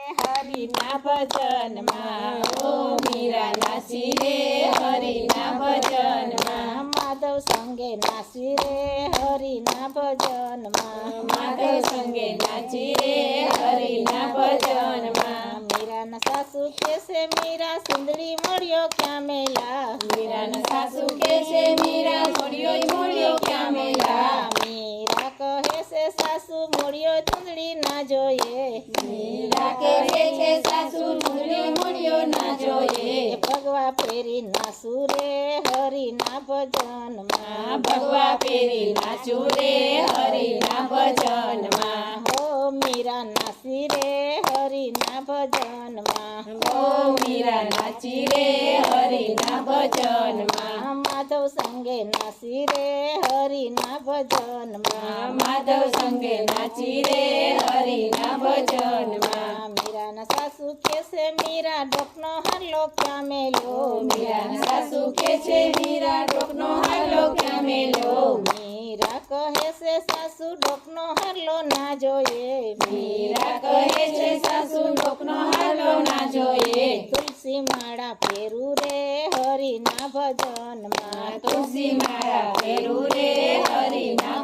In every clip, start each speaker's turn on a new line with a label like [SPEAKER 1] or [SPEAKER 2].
[SPEAKER 1] હરિના ભજનમાં ઓ મીરા નાસી રે હરિના ભજનમાં માધવ સંગે નાસી રે હરિના ભજનમાં માધવ સંગે નાચી રે હરિના ભજનમાં મીરાના સાસુ કેસે મીરા સુંદરી મળ્યો ક્યાં મેલા મીરાના સાસુ કેસે મીરા મળ્યો ક્યાં મેલા મીરા કહે છે સાસુ મળ્યો ચુંદડી ના જોઈએ મીરા કહે છે સાસુ મળ્યો ના જોઈએ ભગવા પેરી નાસુ રે હરિના ભજનમાં ભગવા પેરી નાચુ રે હરિના ભજનમાં હો મીરા નાસી રે હરિના ભજનમાં હો મીરા નાચી રે હરિના ભજનમાં માધવ સંગે નાસી રે હરિના ભજનમાં માધવ સંગે નાચી રે હરિના ભજનમાં મીરાના સાસુ કેસે મીરા ડોકનો હાલો ક્યાં મેલો મીરાના સાસુ કે છે મીરા ડોકનો હાલો ક્યાં મેલો મીરા કહે છે સાસુ ડોકનો હાલો ના જોઈએ મીરા કહે છે સાસુ ડોકનો હાલો ના જોઈએ તુલસી માળા ફેરું રે હરિના ભજનમાં તુલસી માળા ફેરું રે હરિના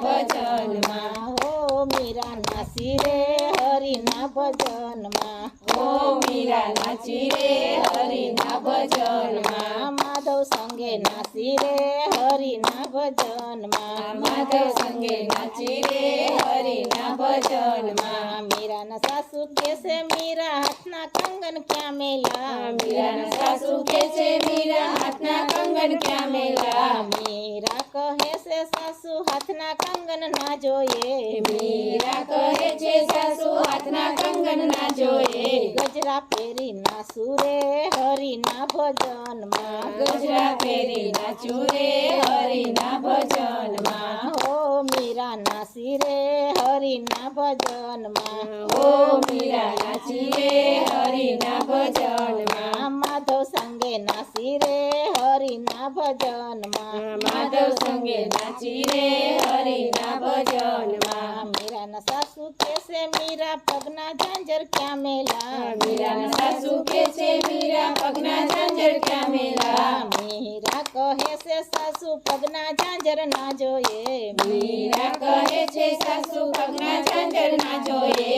[SPEAKER 1] ભજનમાં હો મીરા નાસી રે હરિના ભજનમાં હો મીરા નાચી રે હરિના ભજનમાં માધવ સંગે નાસી રે હરિના ભજનમાં માધવ સંગે નાચી રે હરિના ભજનમાં મીરાના સાસુ કેસે મીરા હાથના કંગન ક્યાં મેલા મીરાના સાસુ કે છે મીરા હાથના કંગન ક્યાં મેલા મીરા કહે છે સાસુ હાથના કંગન ના જોઈએ મીરા કહે છે સાસુ હાથના કંગન ના જોઈએ ગજરા પેરી નાસુ રે હરિના ભજનમાં ગજરા પેરી નાચુ રે હરિના ભજનમાં હો મીરા નાસી રે હરિના ભજનમાં હો મીરા નાચી રે હરિના ભજનમાં માધવ સંગે નાસી રે હરિના ભજનમાં માધવ સંગે નાચી રે હરિના ભજનમાં મીરાના સાસુ કેસે મીરા પગના ઝાંઝર ક્યાં મેલા મીરાના સાસુ કે છે મીરા પગના ઝાંઝર ક્યાં મેલા મીરા કહે છે સાસુ પગના ઝાંઝર ના જોઈએ મીરા કહે છે સાસુ પગના ઝાંઝર ના જોઈએ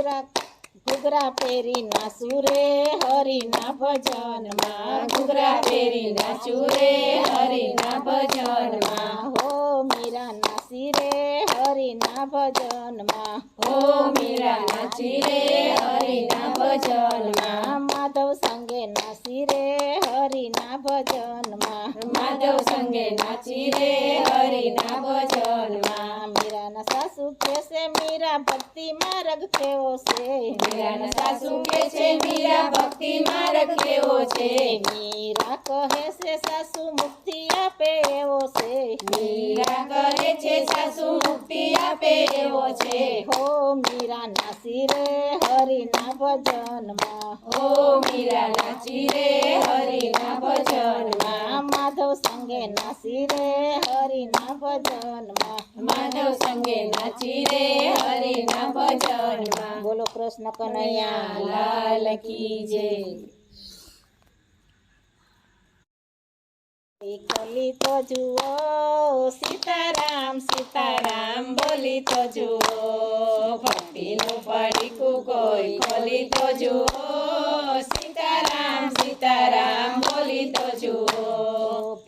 [SPEAKER 1] ઘૂઘરા પેરી નાસુ રે હરિના ભજનમાં ઘૂઘરા પેરી નાચુ રે હરિના ભજનમાં હો મીરા નાસી રે હરિના ભજનમાં હો મીરા નાચી રે હરિના ભજનમાં માધવ સંગે નાસી રે હરિના ભજનમાં માધવ સંગે નાચી રે હરિના ભજનમાં મીરાના સાસુ કેસે મીરા ભક્તિ માર્ગ કેવો છે મીરાના સાસુ કે છે મીરા ભક્તિ માર્ગ કેવો છે મીરા કહે છે સાસુ મુક્તિ આપે એવો છે મીરા કહે છે સાસુ મુક્તિ આપે એવો છે હો મીરા નાસી રે હરિના ભજનમાં હો મીરા નાચી રે હરિના ભજનમાં માધવ સંગે નાસી રે હરિના ભજનમાં માધવ સંગે નાચી રે હરિના ભજનમાં બોલો કૃષ્ણ કનૈયા લાલ કી જય કલી તો જુઓ સીતારામ સીતારામ બોલી તો જુઓ ભક્તિનું પડીકું કોઈ ખોલી તો જુઓ